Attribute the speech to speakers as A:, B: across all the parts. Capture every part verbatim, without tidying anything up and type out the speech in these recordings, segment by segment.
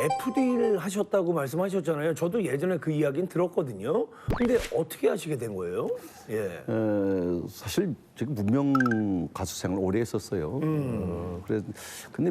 A: 에프디를 하셨다고 말씀하셨잖아요. 저도 예전에 그 이야기는 들었거든요. 근데 어떻게 하시게 된 거예요? 예.
B: 에, 사실 제가 무명 가수 생활 오래 했었어요.
A: 음.
B: 어, 그래 근데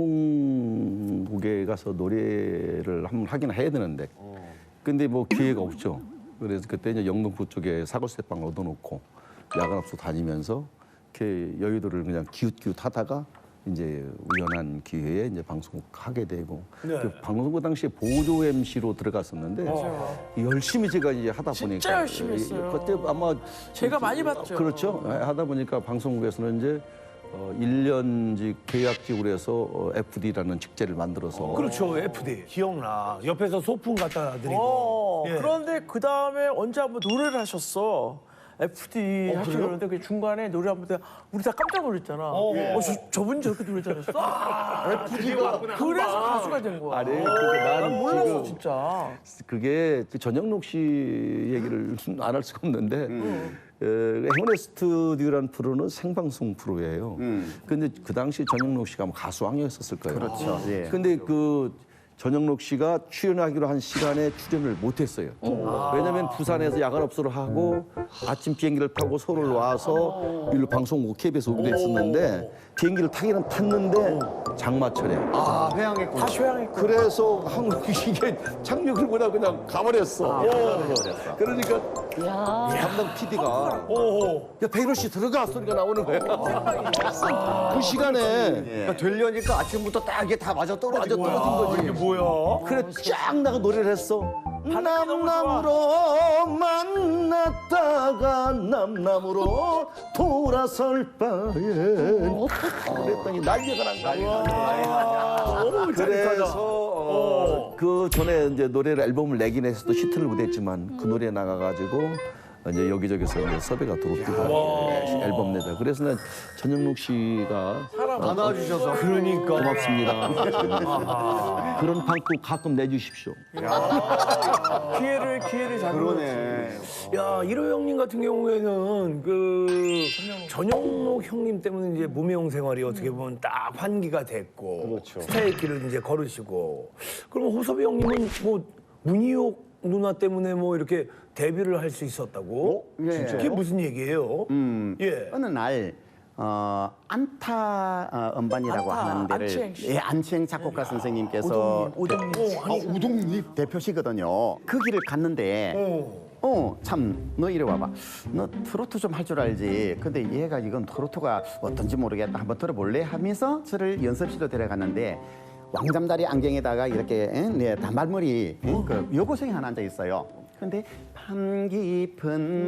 B: 방송국에 가서 노래를 한번 하긴 해야 되는데, 근데 뭐 기회가 없죠. 그래서 그때 이제 영등포 쪽에 사골세빵 얻어놓고 야간업소 다니면서 이렇게 여의도를 그냥 기웃기웃 하다가 이제 우연한 기회에 이제 방송국 하게 되고,
A: 네.
B: 그 방송국 당시에 보조 엠씨로 들어갔었는데 열심히 제가 이제 하다 보니까
C: 진짜 열심히 했어요.
B: 그때 아마
C: 제가 많이 봤죠.
B: 그렇죠. 하다 보니까 방송국에서는 이제 어, 일 년직 계약직으로 해서 어, 에프디라는 직제를 만들어서
A: 그렇죠, 에프디. 기억나. 옆에서 소품 갖다 드리고.
C: 어,
A: 예.
C: 그런데 그 다음에 언제 한번 노래를 하셨어. 에프디 하시고 그러는데 그 중간에 노래 한번 때 우리 다 깜짝 놀랐잖아. 어, 저, 저분이 저렇게 노래 잘했어?
A: 에프디가
C: 그래서 가수가 된 거야.
B: 아니, 그게
C: 난
B: 나는
C: 몰랐어
B: 지금
C: 진짜.
B: 그게 그 전영록 씨 얘기를 안 할 수가 없는데 에, 행운의 스튜디오라는 프로는 생방송 프로예요. 근데 그 당시 전영록 씨가 아마 가수왕이었을 거예요.
D: 그렇죠. 예.
B: 근데 그 전영록 씨가 출연하기로 한 시간에 출연을 못했어요. 왜냐하면 부산에서 야간업소를 하고 아침 비행기를 타고 서울 와서 일로 방송국 케이비에스 오기로 했었는데 비행기를 타기는 탔는데 장마철에
D: 아, 회항했구나.
C: 다시 회항했고.
B: 그래서 한국이 이게 착륙을 못하고 그냥 가버렸어. 그러니까 담당 피디가 야 백일호 씨 들어가 소리가 나오는 거야. 그 시간에
D: 그러니까 되려니까 아침부터 딱 이게 다 맞아 떨어진
B: 맞아 떨어진 거지.
A: 이게 뭐야?
B: 그래 쫙 나가 노래를 했어. 남남으로 만났다가 남남으로 돌아설 바엔 그랬더니 난리가 난 거야. 그래서 어, 그 전에 이제 노래를 앨범을 내긴 했어도 히트를 못했지만 그 노래 나가가지고 이제 여기저기서 이제 섭외가 들어오고 앨범 내자. 그래서 난 전영록 씨가
D: 안아주셔서.
A: 그러니까.
B: 고맙습니다. 그런 방송 가끔 내주십시오.
C: 기회를 기회를 잡는 거지.
D: 그러네.
A: 야, 일호 형님 같은 경우에는 그 전영록 형님 때문에 이제 무명 생활이 어떻게 보면 딱 환기가 됐고 스타의 길을 이제 걸으시고, 그러면 호섭이 형님은 뭐 문희옥 누나 때문에 뭐 이렇게 데뷔를 할 수 있었다고?
D: 어? 예.
A: 그게 무슨 얘기예요?
D: 음,
A: 예.
D: 어느 날 어, 안타 어, 음반이라고
C: 안타,
D: 하는 데를
C: 안치행 씨.
D: 예, 안치행 작곡가 선생님께서
C: 오동님, 오동님.
D: 아, 우동립 대표시거든요. 그 길을 갔는데 어, 참, 너 이리 와봐. 너 트로트 좀 할 줄 알지. 근데 얘가 이건 트로트가 어떤지 모르겠다. 한번 들어볼래? 하면서 저를 연습실로 데려갔는데 왕잠다리 안경에다가 이렇게 에? 네, 단발머리 에? 그 여고생이 하나 앉아 있어요. 근데 밤 깊은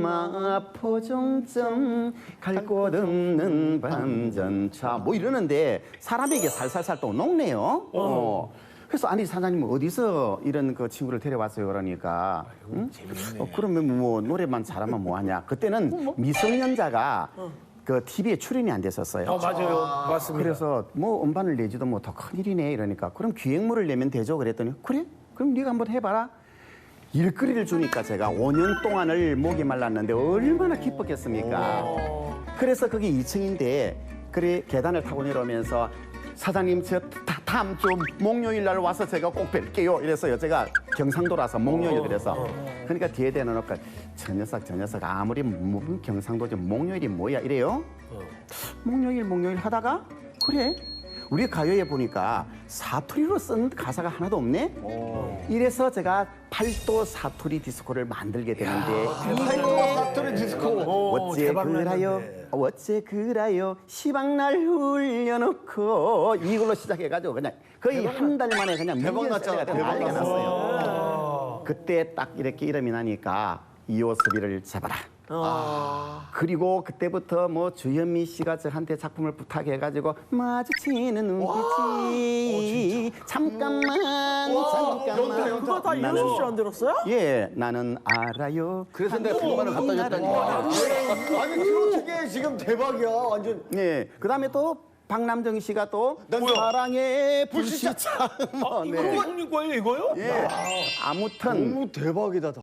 D: 마포종점 갈 곳 없는 반전차 뭐 이러는데 사람에게 살살살 또 녹네요. 어. 그래서 아니 사장님 어디서 이런 그 친구를 데려왔어요 그러니까 응? 어, 그러면 뭐 노래만 잘하면 뭐하냐. 그때는 미성년자가 그 티비에 출연이 안 됐었어요.
A: 어, 맞아요. 맞습니다.
D: 그래서 뭐 음반을 내지도 뭐 더 큰일이네 이러니까 그럼 기획물을 내면 되죠 그랬더니 그래? 그럼 네가 한번 해봐라. 일거리를 주니까 제가 오 년 동안을 목이 말랐는데 얼마나 기뻤겠습니까. 그래서 그게 이 층인데 그래 계단을 타고 내려오면서 사장님 저 다음 주 목요일 날 와서 제가 꼭 뵐게요 이래서요. 제가 경상도라서 목요일 그래서 그러니까 뒤에 대놓고 저 녀석 저 녀석 아무리 무슨 경상도지 목요일이 뭐야 이래요. 목요일 목요일 하다가 그래 우리 가요에 보니까 사투리로 쓴 가사가 하나도 없네. 이래서 제가 팔도 사투리 디스코를 만들게 되는데
A: 팔도 사투리 디스코.
D: 어째 그라요 어째 그라요 시방날 흘려놓고 이걸로 시작해가지고 그냥 거의 한 달 만에 그냥 대박 났잖아. 난리가 났어요. 그때 딱 이렇게 이름이 나니까 이호섭이를 잡아라. 아. 그리고 그때부터 뭐 주현미 씨가 저한테 작품을 부탁해가지고 마주치는 눈빛이 잠깐만 잠깐만
C: 그거 다 이효섭 씨안 들었어요?
D: 예 나는 알아요.
B: 그래서 내가 백만 원 갖다 줬다니까.
E: 아니 트로트계 지금 대박이야 완전.
D: 예 그다음에 또 박남정 씨가 또 사랑의 불시착 뭐,
A: 이거 형님 거예요, 이거요?
D: 예 아무튼
E: 너무 대박이다.